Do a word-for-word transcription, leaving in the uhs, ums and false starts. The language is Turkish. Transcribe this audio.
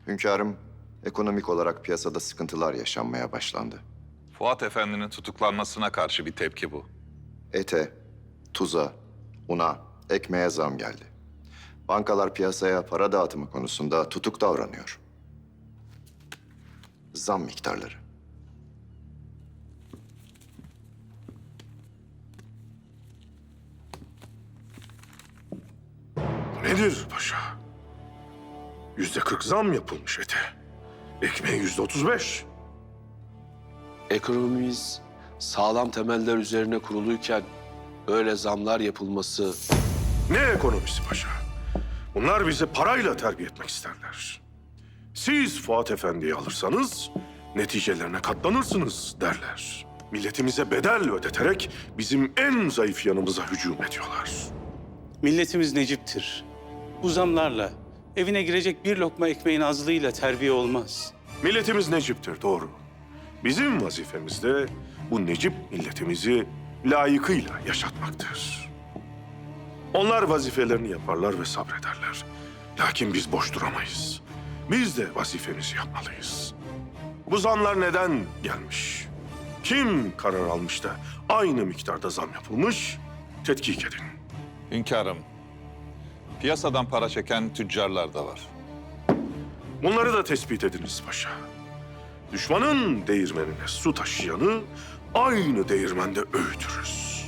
Hünkârım, ekonomik olarak piyasada sıkıntılar yaşanmaya başlandı. Fuat Efendi'nin tutuklanmasına karşı bir tepki bu. Ete, tuza, una, ekmeğe zam geldi. Bankalar piyasaya para dağıtımı konusunda tutuk davranıyor. Zam miktarları. Bu nedir paşa? Yüzde kırk zam yapılmış ete. Ekmeğe yüzde otuz beş. Ekonomimiz sağlam temeller üzerine kuruluyken böyle zamlar yapılması... Ne ekonomisi paşa? Bunlar bizi parayla terbiye etmek isterler. Siz Fuat Efendi'yi alırsanız neticelerine katlanırsınız derler. Milletimize bedel ödeterek bizim en zayıf yanımıza hücum ediyorlar. Milletimiz Necip'tir. Bu zamlarla evine girecek bir lokma ekmeğin azlığıyla terbiye olmaz. Milletimiz Necip'tir, doğru. Bizim vazifemiz de bu Necip milletimizi layıkıyla yaşatmaktır. Onlar vazifelerini yaparlar ve sabrederler. Lakin biz boş duramayız. Biz de vazifemizi yapmalıyız. Bu zamlar neden gelmiş? Kim karar almış da aynı miktarda zam yapılmış? Tetkik edin. Hünkârım, piyasadan para çeken tüccarlar da var. Bunları da tespit ediniz paşa. Düşmanın değirmenine su taşıyanı aynı değirmende öğütürüz.